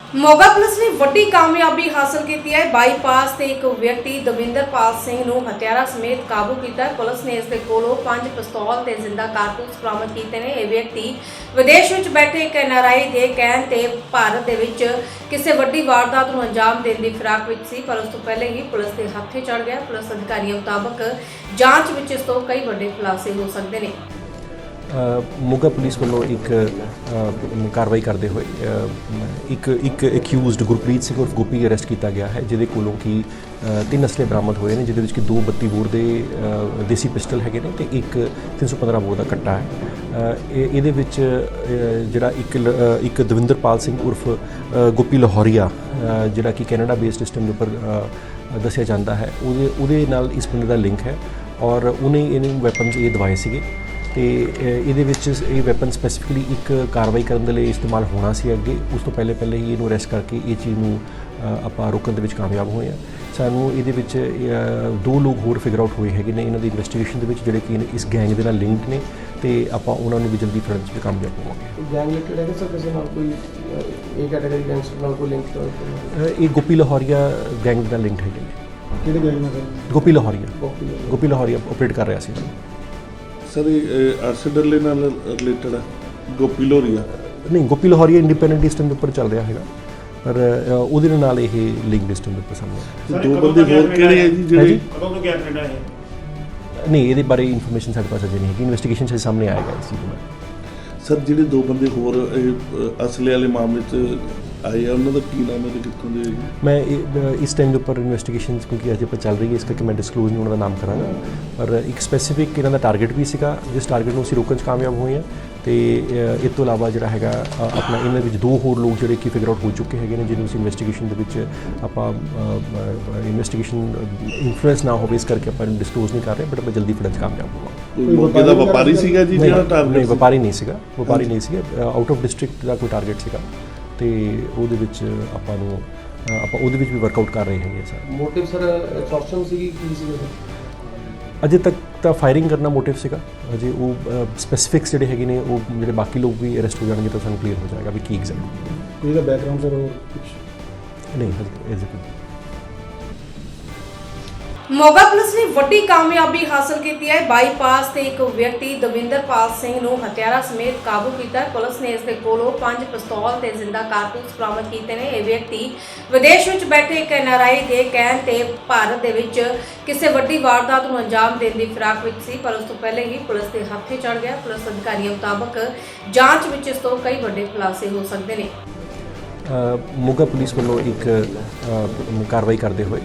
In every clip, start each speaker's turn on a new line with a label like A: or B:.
A: Moga police ਨੇ ਵੱਡੀ ਕਾਮਯਾਬੀ ਹਾਸਲ ਕੀਤੀ ਹੈ। ਬਾਈਪਾਸ ਤੇ ਇੱਕ ਵਿਅਕਤੀ ਦਵਿੰਦਰਪਾਲ ਸਿੰਘ ਨੂੰ ਹਥਿਆਰਾਂ ਸਮੇਤ ਕਾਬੂ ਕੀਤਾ ਹੈ। ਪੁਲਿਸ ਨੇ ਇਸ ਦੇ ਕੋਲੋਂ 5 ਪਿਸਤੌਲ ਤੇ ਜ਼ਿੰਦਾ ਕਾਰਤੂਸ ਬਰਾਮਦ ਕੀਤੇ ਨੇ। ਇਹ ਵਿਅਕਤੀ ਵਿਦੇਸ਼ ਵਿੱਚ ਬੈਠੇ ਇੱਕ NRI ਦੇ ਕਹਿਣ ਤੇ ਭਾਰਤ ਦੇ ਵਿੱਚ ਕਿਸੇ ਵੱਡੀ ਵਾਰਦਾਤ ਨੂੰ ਅੰਜਾਮ ਦੇਣ ਦੀ ਫਿਰਾਕ ਵਿੱਚ ਸੀ, ਪਰ ਉਸ ਤੋਂ ਪਹਿਲੇ ਹੀ ਪੁਲਿਸ ਦੇ ਹੱਥੇ ਚੜ ਗਿਆ। ਪੁਲਿਸ ਅਧਿਕਾਰੀਆਂ ਮੁਤਾਬਕ ਜਾਂਚ ਵਿੱਚ ਇਸ ਤੋਂ ਕਈ ਵੱਡੇ ਖੁਲਾਸੇ ਹੋ ਸਕਦੇ ਨੇ।
B: ਮੋਗਾ ਪੁਲਿਸ ਵੱਲੋਂ ਇੱਕ ਕਾਰਵਾਈ ਕਰਦੇ ਹੋਏ ਇੱਕ ਅਕਿਊਜ਼ਡ ਗੁਰਪ੍ਰੀਤ ਸਿੰਘ ਉਰਫ ਗੋਪੀ ਅਰੈਸਟ ਕੀਤਾ ਗਿਆ ਹੈ, ਜਿਹਦੇ ਕੋਲੋਂ ਕਿ 3 ਅਸਲੇ ਬਰਾਮਦ ਹੋਏ ਨੇ, ਜਿਹਦੇ ਵਿੱਚ ਕਿ 2 32 ਬੋਰ ਦੇ ਦੇਸੀ ਪਿਸਟਲ ਹੈਗੇ ਨੇ ਤੇ ਇੱਕ 315 ਬੋਰ ਦਾ ਕੱਟਾ ਹੈ। ਇਹਦੇ ਵਿੱਚ ਜਿਹੜਾ ਇੱਕ ਦਵਿੰਦਰਪਾਲ ਸਿੰਘ ਉਰਫ ਗੋਪੀ ਲਾਹੌਰੀਆ, ਜਿਹੜਾ ਕਿ ਕੈਨੇਡਾ ਬੇਸਡ ਸਿਸਟਮ ਦੇ ਉੱਪਰ ਦੱਸਿਆ ਜਾਂਦਾ ਹੈ, ਉਹਦੇ ਨਾਲ ਇਸ ਬੰਦੇ ਦਾ ਲਿੰਕ ਹੈ ਔਰ ਉਹਨੇ ਇਹਨੂੰ ਵੈਪਨਸ ਇਹ ਦਵਾਏ ਸੀਗੇ ਤੇ ਇਹਦੇ ਵਿੱਚ ਇਹ ਵੈਪਨ ਸਪੈਸੀਫਿਕਲੀ ਇੱਕ ਕਾਰਵਾਈ ਕਰਨ ਦੇ ਲਈ ਇਸਤੇਮਾਲ ਹੋਣਾ ਸੀ ਅੱਗੇ। ਉਸ ਤੋਂ ਪਹਿਲੇ ਹੀ ਇਹਨੂੰ ਅਰੈਸਟ ਕਰਕੇ ਇਹ ਚੀਜ਼ ਨੂੰ ਆਪਾਂ ਰੋਕਣ ਦੇ ਵਿੱਚ ਕਾਮਯਾਬ ਹੋਏ ਹਾਂ। ਸਾਨੂੰ ਇਹਦੇ ਵਿੱਚ 2 ਲੋਕ ਹੋਰ ਫਿਗਰ ਆਊਟ ਹੋਏ ਹੈਗੇ ਨੇ ਇਹਨਾਂ ਦੀ ਇਨਵੈਸਟੀਗੇਸ਼ਨ ਦੇ ਵਿੱਚ, ਜਿਹੜੇ ਕਿ ਇਸ ਗੈਂਗ ਦੇ ਨਾਲ ਲਿੰਕਡ ਨੇ ਤੇ ਆਪਾਂ ਉਹਨਾਂ ਨੂੰ ਵੀ ਜਲਦੀ ਫੜਨ 'ਚ ਕਾਮਯਾਬ ਹੋਵਾਂਗੇ।
C: ਗੈਂਗ ਲਿੰਕਡ ਹੈ ਸਰ, ਕਿਸੇ ਨਾਲ ਕੋਈ ਇਹ ਕੈਟਾਗਰੀ ਗੈਂਗਸਟਰ ਨਾਲ ਕੋਈ ਲਿੰਕ ਹੈ?
B: ਇਹ ਗੋਪੀ ਲਾਹੌਰੀਆ ਗੈਂਗ ਦਾ ਲਿੰਕ ਹੈਗੇ ਨੇ।
C: ਕਿਹੜੇ ਗੈਂਗ ਨਾਲ ਸਰ?
B: ਗੋਪੀ ਲਾਹੌਰੀਆ ਆਪਰੇਟ ਕਰ ਰਿਹਾ ਸੀ
D: ਸਰ ਇਹ ਆਰਸੀਡਰਲੇ ਨਾਲ ਰਿਲੇਟਡ ਹੈ ਗੋਪੀ ਲਾਹੌਰੀਆ?
B: ਨਹੀਂ, ਗੋਪੀ ਲਾਹੌਰੀਆ ਇੰਡੀਪੈਂਡੈਂਟ ਸਿਸਟਮ ਦੇ ਉੱਪਰ ਚੱਲ ਰਿਹਾ ਹੈਗਾ, ਪਰ ਉਹਦੇ ਨਾਲ ਇਹ ਲਿੰਕ ਸਿਸਟਮ ਦੇ ਉੱਪਰ ਸਾਹਮਣੇ ਆਇਆ।
D: 2 ਬੰਦੇ ਹੋਰ ਕਿਹੜੇ ਹੈ ਜੀ ਜਿਹੜੇ
E: ਕਦੋਂ ਤੋਂ ਕੈਨੇਡਾ ਹੈ?
B: ਨਹੀਂ, ਇਹਦੇ ਬਾਰੇ ਇਨਫੋਰਮੇਸ਼ਨ ਸਾਡੇ ਪਾਸ ਅਜੇ ਨਹੀਂ ਹੈਗੀ, ਇਨਵੈਸਟੀਗੇਸ਼ਨ 'ਚ ਸਾਹਮਣੇ ਆਏਗਾ ਇਸ ਚੀਜ਼ ਦਾ।
D: ਸਰ ਜਿਹੜੇ 2 ਬੰਦੇ ਹੋਰ ਅਸਲੇ ਵਾਲੇ ਮਾਮਲੇ 'ਚ ਆਏ ਆ, ਉਹਨਾਂ ਦਾ ਕੀ ਨਾਮ ਹੈ ਤੇ ਕਿੱਥੋਂ ਦੇ?
B: ਮੈਂ ਇਸ ਟਾਈਮ ਦੇ ਉੱਪਰ ਇਨਵੈਸਟੀਗੇਸ਼ਨ ਕਿਉਂਕਿ ਅਜੇ ਪਰ ਚੱਲ ਰਹੀ ਹੈ, ਇਸ ਕਰਕੇ ਮੈਂ ਡਿਸਕਲੋਜ਼ ਨਹੀਂ ਉਹਨਾਂ ਦਾ ਨਾਮ ਕਰਾਂਗਾ, ਪਰ ਇੱਕ ਸਪੈਸੀਫਿਕ ਇਹਨਾਂ ਦਾ ਟਾਰਗੇਟ ਵੀ ਸੀਗਾ, ਜਿਸ ਟਾਰਗੇਟ ਨੂੰ ਅਸੀਂ ਰੋਕਣ 'ਚ ਕਾਮਯਾਬ ਹੋਏ ਹਾਂ। ਤੇ ਇਸ ਤੋਂ ਇਲਾਵਾ ਜਿਹੜਾ ਹੈਗਾ ਆਪਣਾ ਇਹਨਾਂ ਵਿੱਚ 2 ਹੋਰ ਲੋਕ ਜਿਹੜੇ ਕਿ ਫਿਗਰ ਆਊਟ ਹੋ ਚੁੱਕੇ ਹੈਗੇ ਨੇ, ਜਿਹਨੂੰ ਅਸੀਂ ਇਨਵੈਸਟੀਗੇਸ਼ਨ ਦੇ ਵਿੱਚ ਆਪਾਂ ਇਨਵੈਸਟੀਗੇਸ਼ਨ ਇਨਫਲੂਐਂਸ ਨਾ ਹੋਵੇ, ਇਸ ਕਰਕੇ ਆਪਾਂ ਇਹਨੂੰ ਡਿਸਕਲੋਜ਼ ਨਹੀਂ ਕਰ ਰਹੇ, ਬਟ ਆਪਾਂ ਜਲਦੀ ਫੜਨ 'ਚ ਕਾਮਯਾਬ ਹੋਵਾਂਗੇ।
D: ਕੋਈ ਮੌਕੇ ਦਾ ਵਪਾਰੀ ਸੀਗਾ ਜੀ ਜਿਹੜਾ ਟਾਰਗੇਟ?
B: ਨਹੀਂ, ਵਪਾਰੀ ਨਹੀਂ ਸੀਗਾ, ਆਊਟ ਆਫ ਡਿਸਟ੍ਰਿਕਟ ਦਾ ਕੋਈ ਟਾਰਗੇਟ ਸੀਗਾ ਤੇ ਉਹਦੇ ਵਿੱਚ ਆਪਾਂ ਉਹਦੇ ਵਿੱਚ ਵੀ ਵਰਕਆਊਟ ਕਰ ਰਹੇ ਹੈਗੇ ਸਰ।
C: ਮੋਟਿਵ ਸਰ ਐਕਸਟੋਰਸ਼ਨ ਸੀਗੀ, ਕੀ ਸੀਗਾ?
B: ਅਜੇ ਤੱਕ ਤਾਂ ਫਾਇਰਿੰਗ ਕਰਨਾ ਮੋਟਿਵ ਸੀਗਾ, ਅਜੇ ਉਹ ਸਪੈਸੀਫਿਕਸ ਜਿਹੜੇ ਹੈਗੇ ਨੇ, ਉਹ ਜਿਹੜੇ ਬਾਕੀ ਲੋਕ ਵੀ ਅਰੈਸਟ ਹੋ ਜਾਣਗੇ ਤਾਂ ਸਾਨੂੰ ਕਲੀਅਰ ਹੋ ਜਾਏਗਾ ਵੀ ਕੀ ਐਗਜ਼ੈਕਟ
C: ਕੋਈ ਦਾ ਬੈਕਗ੍ਰਾਉਂਡ ਸਰ ਹੋਰ ਕੁਝ
B: ਨਹੀਂ ਹਜੇ ਐਗਜ਼ੈਕਟ।
A: ਮੋਗਾ ਪੁਲਿਸ ਨੇ ਵੱਡੀ ਕਾਮਯਾਬੀ ਹਾਸਲ ਕੀਤੀ ਹੈ। ਬਾਈਪਾਸ ਤੇ ਇੱਕ ਵਿਅਕਤੀ ਦਵਿੰਦਰਪਾਲ ਸਿੰਘ ਨੂੰ ਹਥਿਆਰਾਂ ਸਮੇਤ ਕਾਬੂ ਕੀਤਾ ਹੈ। ਪੁਲਿਸ ਨੇ ਇਸ ਦੇ ਕੋਲੋਂ 5 ਪਿਸਤੌਲ ਤੇ ਜ਼ਿੰਦਾ ਕਾਰਤੂਸ ਬਰਾਮਦ ਕੀਤੇ ਨੇ। ਇਹ ਵਿਅਕਤੀ ਵਿਦੇਸ਼ ਵਿੱਚ ਬੈਠੇ ਇੱਕ NRI ਦੇ ਕਹਿਣ ਤੇ ਭਾਰਤ ਦੇ ਵਿੱਚ ਕਿਸੇ ਵੱਡੀ ਵਾਰਦਾਤ ਨੂੰ ਅੰਜਾਮ ਦੇਣ ਦੀ ਫਿਰਾਕ ਵਿੱਚ ਸੀ, ਪਰ ਉਸ ਤੋਂ ਪਹਿਲੇ ਹੀ ਪੁਲਿਸ ਦੇ ਹੱਥੇ ਚੜ ਗਿਆ। ਪੁਲਿਸ ਅਧਿਕਾਰੀਆਂ ਮੁਤਾਬਕ ਜਾਂਚ ਵਿੱਚ ਇਸ ਤੋਂ ਕਈ ਵੱਡੇ ਖੁਲਾਸੇ ਹੋ ਸਕਦੇ ਨੇ।
B: ਮੋਗਾ ਪੁਲਿਸ ਵੱਲੋਂ ਇੱਕ ਕਾਰਵਾਈ ਕਰਦੇ ਹੋਏ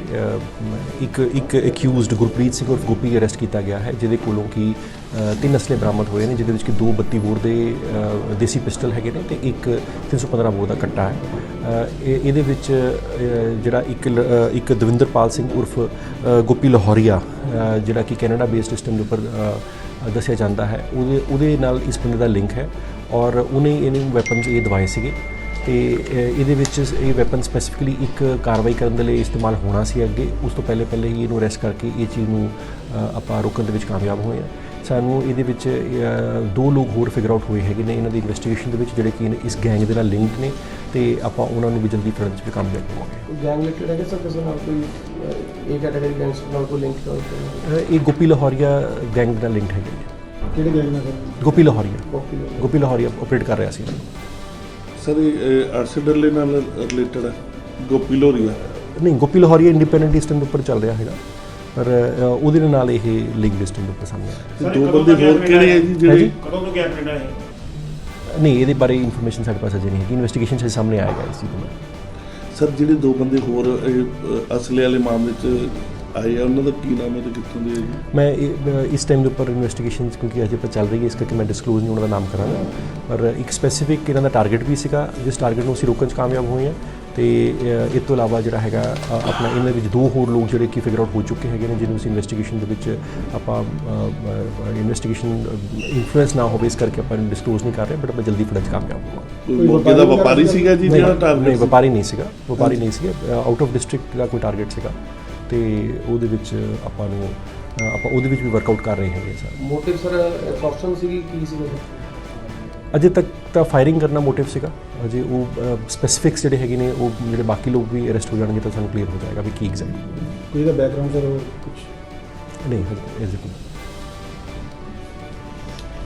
B: ਇੱਕ ਅਕਿਊਜ਼ਡ ਗੁਰਪ੍ਰੀਤ ਸਿੰਘ ਉਰਫ ਗੋਪੀ ਅਰੈਸਟ ਕੀਤਾ ਗਿਆ ਹੈ, ਜਿਹਦੇ ਕੋਲੋਂ ਕਿ 3 ਅਸਲੇ ਬਰਾਮਦ ਹੋਏ ਨੇ, ਜਿਹਦੇ ਵਿੱਚ ਕਿ 2 32 ਬੋਰ ਦੇ ਦੇਸੀ ਪਿਸਟਲ ਹੈਗੇ ਨੇ ਤੇ ਇੱਕ 315 ਬੋਰ ਦਾ ਕੱਟਾ ਹੈ। ਇਹਦੇ ਵਿੱਚ ਜਿਹੜਾ ਇੱਕ ਦਵਿੰਦਰਪਾਲ ਸਿੰਘ ਉਰਫ ਗੋਪੀ ਲਾਹੌਰੀਆ, ਜਿਹੜਾ ਕਿ ਕੈਨੇਡਾ ਬੇਸਡ ਸਿਸਟਮ ਦੇ ਉੱਪਰ ਦੱਸਿਆ ਜਾਂਦਾ ਹੈ, ਉਹਦੇ ਨਾਲ ਇਸ ਬੰਦੇ ਦਾ ਲਿੰਕ ਹੈ ਔਰ ਉਹਨੇ ਇਹਨੂੰ ਵੈਪਨਸ ਇਹ ਦਵਾਏ ਸੀਗੇ ਤੇ ਇਹਦੇ ਵਿੱਚ ਇਹ ਵੈਪਨ ਸਪੈਸੀਫਿਕਲੀ ਇੱਕ ਕਾਰਵਾਈ ਕਰਨ ਦੇ ਲਈ ਇਸਤੇਮਾਲ ਹੋਣਾ ਸੀ ਅੱਗੇ। ਉਸ ਤੋਂ ਪਹਿਲੇ ਹੀ ਇਹਨੂੰ ਅਰੈਸਟ ਕਰਕੇ ਇਹ ਚੀਜ਼ ਨੂੰ ਆਪਾਂ ਰੋਕਣ ਦੇ ਵਿੱਚ ਕਾਮਯਾਬ ਹੋਏ ਹਾਂ। ਸਾਨੂੰ ਇਹਦੇ ਵਿੱਚ 2 ਲੋਕ ਹੋਰ ਫਿਗਰ ਆਊਟ ਹੋਏ ਹੈਗੇ ਨੇ ਇਹਨਾਂ ਦੀ ਇਨਵੈਸਟੀਗੇਸ਼ਨ ਦੇ ਵਿੱਚ, ਜਿਹੜੇ ਕਿ ਇਸ ਗੈਂਗ ਦੇ ਨਾਲ ਲਿੰਕਡ ਨੇ ਤੇ ਆਪਾਂ ਉਹਨਾਂ ਨੂੰ ਵੀ ਜਲਦੀ ਫੜਨ 'ਚ ਵੀ ਕਾਮਯਾਬ ਹੋਵਾਂਗੇ।
C: ਗੈਂਗ ਲਿੰਕਡ ਹੈ ਸਰ, ਕਿਸੇ ਨਾਲ ਕੋਈ ਇਹ ਕੈਟਾਗਰੀ ਗੈਂਗਸਟਰ ਨਾਲ ਕੋਈ ਲਿੰਕ ਹੈ?
B: ਇਹ ਗੋਪੀ ਲਾਹੌਰੀਆ ਗੈਂਗ ਦਾ ਲਿੰਕ ਹੈਗੇ ਨੇ।
C: ਕਿਹੜੇ ਗੈਂਗ ਨਾਲ ਸਰ?
B: ਗੋਪੀ ਲਾਹੌਰੀਆ ਆਪਰੇਟ ਕਰ ਰਿਹਾ ਸੀ।
D: ਸਰ ਇਹ ਆਰਸੀਡਰਲੇ ਨਾਲ ਰਿਲੇਟਡ ਹੈ ਗੋਪੀ ਲਾਹੌਰੀਆ?
B: ਨਹੀਂ, ਗੋਪੀ ਲਾਹੌਰੀਆ ਇੰਡੀਪੈਂਡੈਂਟ ਸਿਸਟਮ ਦੇ ਉੱਪਰ ਚੱਲ ਰਿਹਾ ਹੈਗਾ, ਪਰ ਉਹਦੇ ਨਾਲ ਇਹ ਲਿੰਕ ਸਿਸਟਮ ਦੇ ਉੱਪਰ ਸਾਹਮਣੇ ਆਇਆ।
D: 2 ਬੰਦੇ ਹੋਰ ਕਿਹੜੇ ਹੈ ਜੀ ਜਿਹੜੇ?
E: ਕਦੋਂ ਤੋਂ ਕੈਨੇਡਾ ਹੈ?
B: ਨਹੀਂ, ਇਹਦੇ ਬਾਰੇ ਇਨਫੋਰਮੇਸ਼ਨ ਸਾਡੇ ਪਾਸ ਅਜੇ ਨਹੀਂ ਹੈਗੀ, ਇਨਵੈਸਟੀਗੇਸ਼ਨ 'ਚ ਸਾਹਮਣੇ ਆਏਗਾ ਇਸ ਚੀਜ਼ ਦਾ।
D: ਸਰ ਜਿਹੜੇ 2 ਬੰਦੇ ਹੋਰ ਅਸਲੇ ਵਾਲੇ ਮਾਮਲੇ 'ਚ ਆਏ ਆ, ਉਹਨਾਂ ਦਾ ਕੀ ਨਾਮ ਹੈ ਤੇ ਕਿੱਥੋਂ ਦੇ?
B: ਮੈਂ ਇਸ ਟਾਈਮ ਦੇ ਉੱਪਰ ਇਨਵੈਸਟੀਗੇਸ਼ਨ ਕਿਉਂਕਿ ਅਜੇ ਪਰ ਚੱਲ ਰਹੀ ਹੈ, ਇਸ ਕਰਕੇ ਮੈਂ ਡਿਸਕਲੋਜ਼ ਨਹੀਂ ਉਹਨਾਂ ਦਾ ਨਾਮ ਕਰਾਂਗਾ, ਪਰ ਇੱਕ ਸਪੈਸੀਫਿਕ ਇਹਨਾਂ ਦਾ ਟਾਰਗੇਟ ਵੀ ਸੀਗਾ, ਜਿਸ ਟਾਰਗੇਟ ਨੂੰ ਅਸੀਂ ਰੋਕਣ 'ਚ ਕਾਮਯਾਬ ਹੋਏ ਹਾਂ। ਤੇ ਇਸ ਤੋਂ ਇਲਾਵਾ ਜਿਹੜਾ ਹੈਗਾ ਆਪਣਾ ਇਹਨਾਂ ਵਿੱਚ 2 ਹੋਰ ਲੋਕ ਜਿਹੜੇ ਕਿ ਫਿਗਰ ਆਊਟ ਹੋ ਚੁੱਕੇ ਹੈਗੇ ਨੇ, ਜਿਹਨੂੰ ਅਸੀਂ ਇਨਵੈਸਟੀਗੇਸ਼ਨ ਦੇ ਵਿੱਚ ਆਪਾਂ ਇਨਵੈਸਟੀਗੇਸ਼ਨ ਇਨਫਲੂਐਂਸ ਨਾ ਹੋਵੇ, ਇਸ ਕਰਕੇ ਆਪਾਂ ਇਹਨੂੰ ਡਿਸਕਲੋਜ਼ ਨਹੀਂ ਕਰ ਰਹੇ, ਬਟ ਆਪਾਂ ਜਲਦੀ ਫੜਨ 'ਚ ਕਾਮਯਾਬ ਹੋਵਾਂਗੇ।
D: ਕੋਈ ਮੌਕੇ ਦਾ ਵਪਾਰੀ ਸੀਗਾ ਜੀ ਜਿਹੜਾ ਟਾਰਗੇਟ?
B: ਨਹੀਂ, ਵਪਾਰੀ ਨਹੀਂ ਸੀਗਾ, ਆਊਟ ਆਫ ਡਿਸਟ੍ਰਿਕਟ ਦਾ ਕੋਈ ਟਾਰਗੇਟ ਸੀਗਾ ਤੇ ਉਹਦੇ ਵਿੱਚ ਆਪਾਂ ਉਹਦੇ ਵਿੱਚ ਵੀ ਵਰਕਆਊਟ ਕਰ ਰਹੇ ਹੈਗੇ ਸਰ।
C: ਮੋਟਿਵ ਸਰ ਐਕਸਟੋਰਸ਼ਨ ਸੀਗੀ, ਕੀ ਸੀਗਾ?
B: ਅਜੇ ਤੱਕ ਤਾਂ ਫਾਇਰਿੰਗ ਕਰਨਾ ਮੋਟਿਵ ਸੀਗਾ। ਅਜੇ ਉਹ ਸਪੈਸੀਫਿਕਸ ਜਿਹੜੇ ਹੈਗੇ ਨੇ ਉਹ ਜਿਹੜੇ ਬਾਕੀ ਲੋਕ ਵੀ ਅਰੈਸਟ ਹੋ ਜਾਣਗੇ ਤਾਂ ਸਾਨੂੰ ਕਲੀਅਰ ਹੋ ਜਾਏਗਾ ਵੀ ਕੀ ਐਗਜ਼ੈਕਟ
C: ਕੋਈ ਦਾ ਬੈਕਗ੍ਰਾਉਂਡ ਸਰ ਕੁਝ
B: ਨਹੀਂ ਹਜੇ ਕੋਈ